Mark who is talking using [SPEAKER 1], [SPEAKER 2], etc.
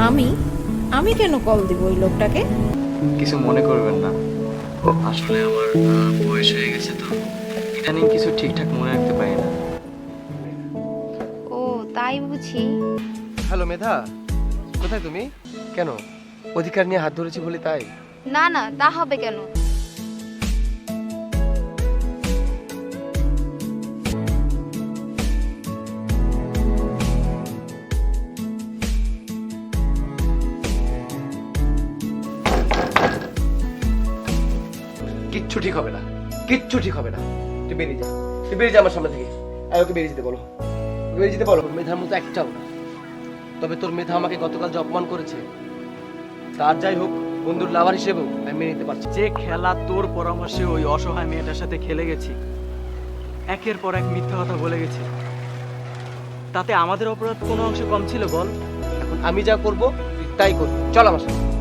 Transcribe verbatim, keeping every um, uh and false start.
[SPEAKER 1] আমি আমি কেন কল দিব ওই লোকটাকে?
[SPEAKER 2] কিছু মনে করবেন না, আসলে আমার আহ, বয়স হয়ে গেছে তো, ইদানিং কিছু ঠিকঠাক মনে রাখতে পারি না।
[SPEAKER 3] ও তাই বুঝি।
[SPEAKER 4] হ্যালো মেধা, কোথায় তুমি? কেন অধিকার নিয়ে হাত ধরেছি বলে তাই?
[SPEAKER 3] না না, তা হবে কেন?
[SPEAKER 4] কিচ্ছু ঠিক হবে না, কিচ্ছু ঠিক হবে না। তুই বেরিয়ে যা, তুই বেরিয়ে যা আমার সামনে থেকে। আর ওকে বেরিয়ে যেতে বলো, ওকে বেরিয়ে যেতে বলো। মেধার মতো একটাও না। তবে তোর মেধা আমাকে গতকাল যে অপমান করেছে, তার যাই হোক, বন্ধুর লাভার হিসেবেও আমি মেনে নিতে পারছি।
[SPEAKER 2] যে খেলা তোর পরামর্শে ওই অসহায় মেয়েটার সাথে খেলে গেছি, একের পর এক মিথ্যা কথা বলে গেছি, তাতে আমাদের অপরাধ কোনো অংশে কম ছিল বল?
[SPEAKER 4] এখন আমি যা করবো তুই তাই করবি, চল আমার সাথে।